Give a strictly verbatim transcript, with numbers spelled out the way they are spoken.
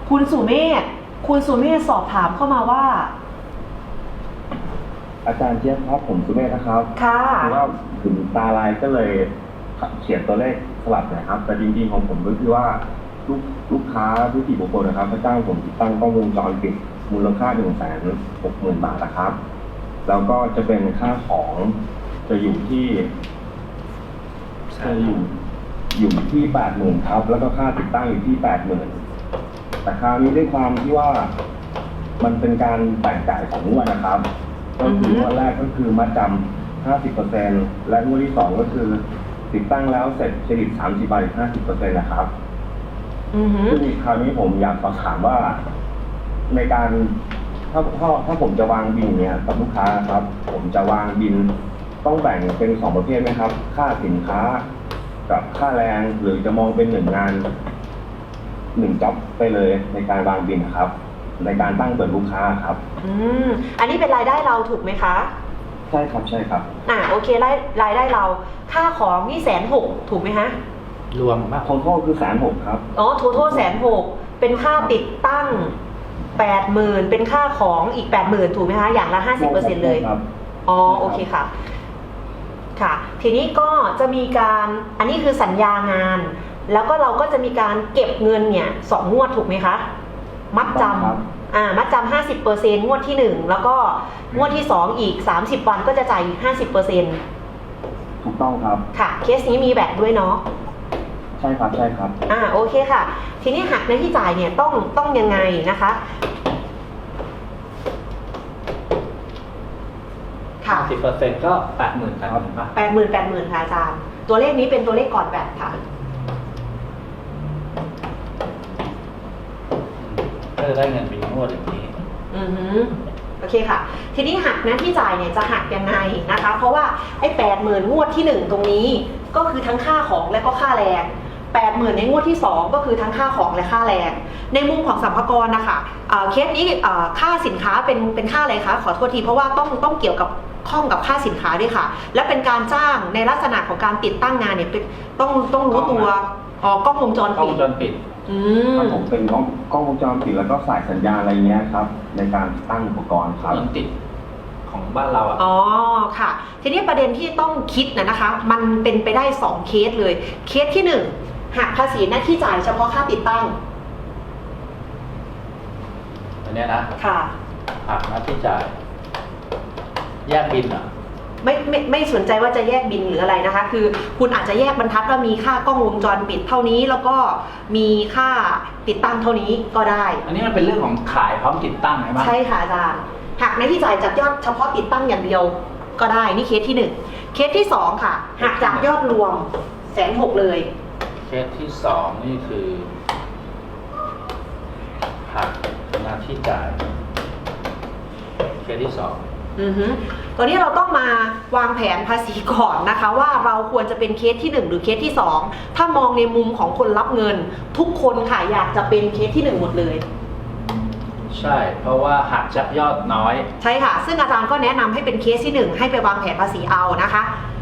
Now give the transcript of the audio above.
คุณสุเมธคุณสุเมธสอบถามเข้ามาว่าอาจารย์เจี๊ยบครับผมสุเมธนะครับค่ะคือว่าถึงตาลายก็เลยเขียนตัวเลขสลับนะครับแต่จริงๆของผมก็คือว่าลูกลูกค้าผู้ที่บุคคลนะครับเขาจ้างผมติดตั้งกล้องวงจรปิดมูลค่าหนึ่งแสนหกหมื่นบาทนะครับแล้วก็จะเป็นค่าของจะอยู่ที่จะอยู่อยู่ที่แปดหมื่นครับแล้วก็ค่าติดตั้งอยู่ที่แปดหมื่นแต่คราวนี้ด้วยความที่ว่ามันเป็นการแบ่งจ่ายสองงวดนะครับก็คืองวดแรกก็คือมัดจำห้าสิบเปอร์เซ็นต์และงวดที่สองก็คือติดตั้งแล้วเสร็จเครดิตสามสิบบาทห้าสิบเปอร์เซ็นต์นะครับซึ่งคราวนี้ผมอยากสอบถามว่าในการถ้าถ้าถ้าผมจะวางบินเนี่ยกับลูกค้าครับผมจะวางบินต้องแบ่งเป็นสองประเภทไหมครับค่าสินค้ากับค่าแรงหรือจะมองเป็นหนึ่งงานหนึ่งจ็อบไปเลยในการวางบินครับในการตั้งเปิดลูกค้าครับอืมอันนี้เป็นรายได้เราถูกไหมคะใช่ครับใช่ครับอ่าโอเครายรายได้เราค่าของนี่แสนหกถูกไหมฮะรวมมากทั้งทั้งคือแสนหกครับอ๋อทั้งทั้งแสนหกเป็นค่าติดตั้งแปดหมื่นเป็นค่าของอีกแปดหมื่นถูกไหมคะอย่างละห้าสิบเปอร์เซ็นต์เลยอ๋อโอเคค่ะค่ะทีนี้ก็จะมีการอันนี้คือสัญญางานแล้วก็เราก็จะมีการเก็บเงินเนี่ยสองงวดถูกไหมคะมัดจำอ่ามัดจำห้าสิบเปอร์เซ็นต์งวดที่หนึ่งแล้วก็งวดที่สองอีกสามสิบวันก็จะจ่ายอีกห้าสิบเปอร์เซ็นต์ถูกต้องครับค่ะเคสนี้มีแบตด้วยเนาะใช่ครับใช่ครับอ่าโอเคค่ะทีนี้หักในที่จ่ายเนี่ยต้องต้องยังไงนะคะค่ะสิบเปอร์เซ็นต์ก็แปดหมื่นแปดหมื่นป่ะแปดหมื่นแปดหมื่นค่ะอาจารย์ตัวเลขนี้เป็นตัวเลขก่อนแบตค่ะก็จะได้เงินเป็นงวดอย่างนี้อือฮึโอเคค่ะทีนี้หักนะที่จ่ายเนี่ยจะหักยังไงนะคะเพราะว่าไอ้แปดหมื่นงวดที่หนึ่งตรงนี้ก็คือทั้งค่าของและก็ค่าแรงแปดหมื่นในงวดที่สองก็คือทั้งค่าของและค่าแรงในมุมของสรรพากรนะคะเคสนี้ค่าสินค้าเป็นเป็นค่าอะไรคะขอโทษทีเพราะว่าต้องต้องเกี่ยวกับข้องกับค่าสินค้าด้วยค่ะและเป็นการจ้างในลักษณะของการติดตั้งงานเนี่ยต้องต้องรู้ตัวอ๋อกล้องวงจรปิดกล้องวงจรปิดอืมผมเป็นกล้องกล้องวงจรปิดแล้วก็สายสัญญาณอะไรเงี้ยครับในการตั้งอุปกรณ์ครับติดของบ้านเราอ่ะอ๋อค่ะทีนี้ประเด็นที่ต้องคิดนะนะคะมันเป็นไปได้สองเคสเลยเคสที่หนึ่งหักภาษีหน้าที่จ่ายเฉพาะค่าติดตั้งอันนี้นะค่ะหักหน้าที่จ่ายแยกบินเหรอไม่ไม่ไม่สนใจว่าจะแยกบินหรืออะไรนะคะคือคุณอาจจะแยกบรรทัดว่ามีค่ากล้องวงจรปิดเท่านี้แล้วก็มีค่าติดตั้งเท่านี้ก็ได้อันนี้มันเป็นเรื่องของขายพร้อมติดตั้งใช่ไหมใช่ค่ะอาจารย์หักในที่จ่ายจากยอดเฉพาะติดตั้งอย่างเดียวก็ได้นี่เคสที่หนึ่งเคสที่สองค่ะหักจากยอดรวมแสนหกเลยเคสที่สองนี่คือหักหน้าที่จ่ายเคสที่สองอือฮึตอนนี้เราต้องมาวางแผนภาษีก่อนนะคะว่าเราควรจะเป็นเคสที่หนึ่งหรือเคสที่สองถ้ามองในมุมของคนรับเงินทุกคนค่ะอยากจะเป็นเคสที่หนึ่งหมดเลยใช่เพราะว่าหักจากยอดน้อยใช่ค่ะซึ่งอาจารย์ก็แนะนำให้เป็นเคสที่หนึ่งให้ไปวางแผนภาษีเอานะคะ